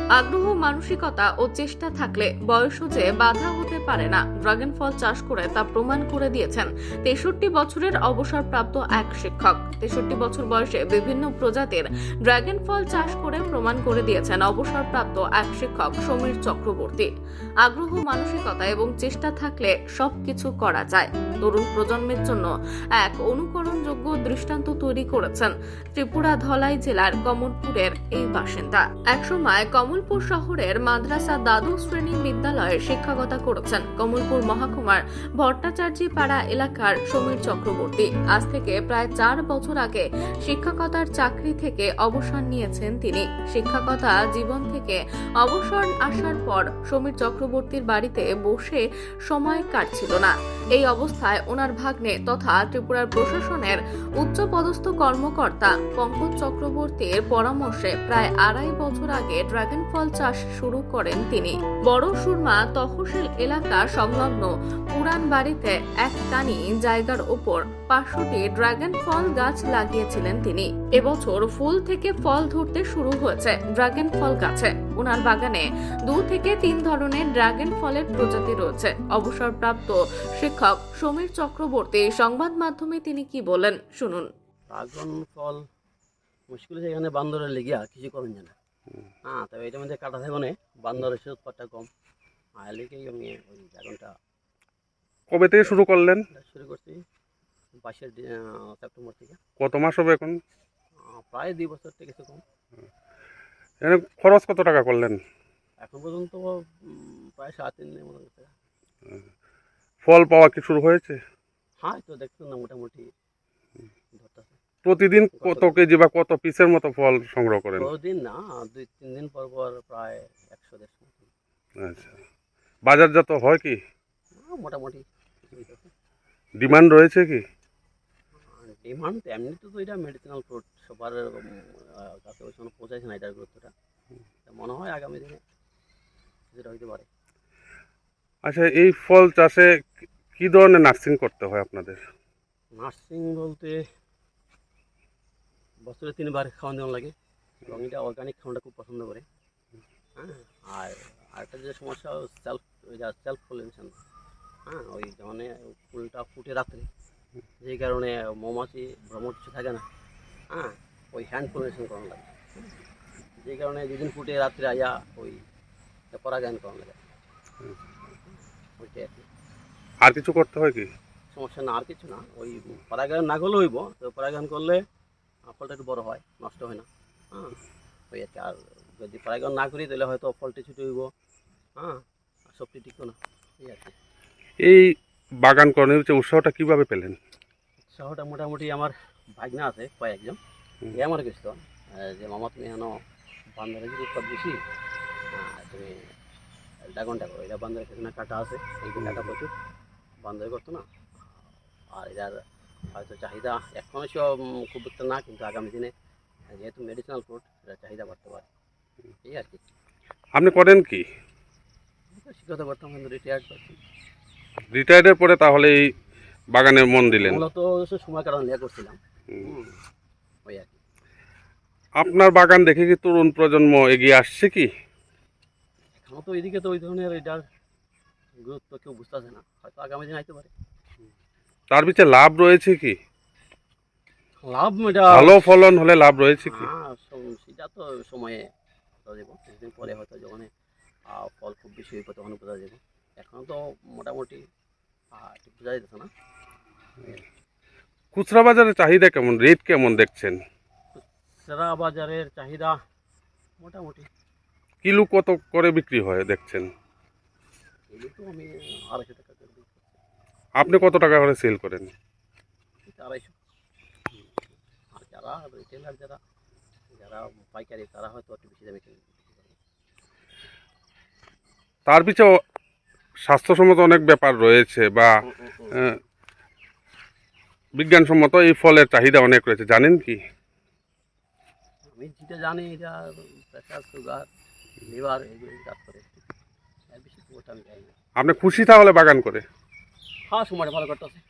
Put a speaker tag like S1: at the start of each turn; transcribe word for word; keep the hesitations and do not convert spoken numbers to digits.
S1: আগ্রহ, মানসিকতা ও চেষ্টা থাকলে বয়সও যে বাধা হতে পারে না, ড্রাগন ফল চাষ করে তা প্রমাণ করে দিয়েছেন তেষট্টি বছরের অবসরপ্রাপ্ত এক শিক্ষক। তেষট্টি বছর বয়সে বিভিন্ন প্রজাতির ড্রাগন ফল চাষ করে প্রমাণ করে দিয়েছেন অবসরপ্রাপ্ত এক শিক্ষক সমীর চক্রবর্তী। আগ্রহ, মানসিকতা এবং চেষ্টা থাকলে সবকিছু করা যায়। তরুণ প্রজন্মের জন্য এক অনুকরণযোগ্য দৃষ্টান্ত তৈরি করেছেন ত্রিপুরা ধলাই জেলার কমলপুরের এই বাসিন্দা। একসময় কমলপুর শহরের মাদ্রাসা দ্বাদশ শ্রেণী বিদ্যালয়ে শিক্ষকতা করেছেন কমলপুর মহকুমার ভট্টাচার্যী পাড়া এলাকার সমীর চক্রবর্তী। আজ থেকে প্রায় চার বছর আগে শিক্ষকতার চাকরি থেকে অবসর নিয়েছেন তিনি। শিক্ষকতা জীবন থেকে অবসর আসার পর সমীর চক্রবর্তীর বাড়িতে বসে সময় কাটছিল না। এই অবস্থায় ওনার ভাগ্নে তথা ত্রিপুরার প্রশাসনের উচ্চপদস্থ কর্মকর্তা পঙ্কজ চক্রবর্তীর পরামর্শে প্রায় আড়াই বছর আগে ড্রাগন ফল চাষ শুরু করেন তিনি। বড় সুরমা তহসিল এলাকা সংলগ্ন পুরান বাড়িতে এক টানি জায়গার ওপর পাঁচশোটি ড্রাগন ফল গাছ লাগিয়েছিলেন তিনি। এবছর ফুল থেকে ফল ধরতে শুরু হয়েছে ড্রাগন ফল গাছে। ওনার বাগানে দু থেকে তিন ধরনের ড্রাগন ফলের প্রজাতি রয়েছে। অবসরপ্রাপ্ত শিক্ষক সমীর চক্রবর্তী সংবাদ মাধ্যমে তিনি কি বলেন শুনুন।
S2: ড্রাগন ফল মুশকিল হচ্ছে, এখানে বান্দরের লেগে আর কিছু করেন না। হ্যাঁ, তবে এটার মধ্যে কাটা থাকবে না, বান্দরের সে উৎপাদটা কম। আর লেগেই আমি ওই ড্রাগনটা
S3: কবে থেকে শুরু করলেন?
S2: শুরু করছি বাইশের সেপ্টেম্বর থেকে।
S3: কত মাস হবে এখন?
S2: প্রায় দুই বছর থেকে কিছু কম।
S3: এখানে খরচ কত টাকা করলেন
S2: এখন পর্যন্ত? প্রায় সাড়ে তিন দিনের মতো গেছে।
S3: ফল পাওয়া কি শুরু হয়েছে?
S2: হ্যাঁ, তো দেখছেন না, মোটামুটি ধরতেছে।
S3: প্রতিদিন কত কেজি বা কত পিসের মতো ফল সংগ্রহ করেন?
S2: প্রতিদিন না, দুই তিন দিন পর পর প্রায় একশো দেড়শো।
S3: আচ্ছা, বাজারজাত হয় কি?
S2: মোটামুটি
S3: ডিমান্ড রয়েছে কি?
S2: ডিমান্ড এমনিতে তো এটা মেডিসিনাল ফ্রুট, সবার কাছে ওই সময় পৌঁছাইছে না এটার গুরুত্বটা। মনে হয় আগামী দিনে যেটা হইতে পারে।
S3: আচ্ছা, এই ফল চাষে কি ধরনের নার্সিং করতে হয় আপনাদের?
S2: নার্সিং বলতে বছরে তিনবার খাওয়ান দেওয়া লাগে, এবং এটা অর্গানিক খাওয়াটা খুব পছন্দ করে। হ্যাঁ, আর আরেকটা যে সমস্যা, সেলফ সেলফ পলিনেশন। হ্যাঁ, ওই ধরনে ফুলটা ফুটে রাত্রে, যে কারণে মৌমাছি ভ্রমণ কিছু থাকে না। হ্যাঁ, ওই হ্যান্ড পলিনেশন করানো লাগে, যে কারণে যেদিন ফুটে রাত্রে আয়া ওই পরাগায়ন করানো লাগে। ওইটাই আর কি।
S3: আর কিছু করতে হয় কি?
S2: সমস্যা না, আর কিছু না। ওই পরাগায়ন না করলে হইব, তো পরাগায়ন করলে ফলটা একটু বড় হয়, নষ্ট হয় না। হ্যাঁ, ওই আর কি। আর যদি পরাগায়ন না করি তাহলে হয়তো ফলটি ছুটে হইব। হ্যাঁ, আর সবটি টিকতো না, এই আর কি।
S3: এই বাগান করার হচ্ছে উৎসাহটা কিভাবে পেলেন?
S2: উৎসাহটা মোটামুটি আমার ভাগনা আছে কয়েকজন, এ আমার গেছিল যে মামা তুমি এখানে বান্দরের যদি উৎপাদ বেশি, তুমি ড্রাগনটা করো। এটা বান্দরের এখানে কাটা আছে, এই কাটা প্রচুর বান্দরে করতো না। আর এটার হয়তো চাহিদা এখনও সব খুব একটা না, কিন্তু আগামী দিনে যেহেতু মেডিসিনাল ফ্রুট, এটার চাহিদা বাড়তে পারে, এই আর কি।
S3: আপনি করেন কি?
S2: শিক্ষকতা করতাম, কিন্তু রিটায়ার্ড করছি।
S3: রিটায়ার্ডের পরে তাহলে এই বাগানে মন দিলেন?
S2: মূলত সময় কারণ নিয়ে করছিলাম, ওই আর কি।
S3: আপনার বাগান দেখে কি তরুণ প্রজন্ম এগিয়ে আসছে কি?
S2: এখনও তো এদিকে তো ওই ধরনের এটার গুরুত্ব কেউ বুঝতেছে না, হয়তো আগামী দিন আইতে পারে।
S3: তার পিছনে লাভ রয়েছে কি?
S2: লাভ এটা
S3: ভালো ফলন হলে লাভ রয়েছে কি?
S2: হ্যাঁ, সেটা তো সময়ে বোঝা যাবো, কিছুদিন পরে হয়তো যখন ফল খুব বেশি হইব তখন বোঝা যাবে। এখন তো মোটামুটি বোঝা যেতেছে না।
S3: খুচরা বাজারের চাহিদা কেমন, রেট কেমন দেখছেন?
S2: খুচরা বাজারের চাহিদা মোটামুটি।
S3: কিলো কত করে বিক্রি হয় দেখছেন?
S2: কিলো তো আমি আড়াইশো টাকা করে বিক্রি করছি।
S3: আপনি কত টাকা করে সেল করেন?
S2: আড়াইশো। আর যারা রিটেলার, যারা যারা পাইকারি, তারা হয়তো একটু বেশি দামে কিনে।
S3: তার পিছনে স্বাস্থ্যসম্মত অনেক ব্যাপার রয়েছে, বা বিজ্ঞানসম্মত এই ফলের চাহিদা অনেক রয়েছে, জানেন কি?
S2: আমি যেটা জানি, এটা প্রেসার, সুগার, লিভার এগুলো কাজ করে। বেশি পুরোটা আমি জানি না।
S3: আপনি খুশি তাহলে বাগান করে?
S2: হ্যাঁ, সময়টা ভালো কাটতেছে।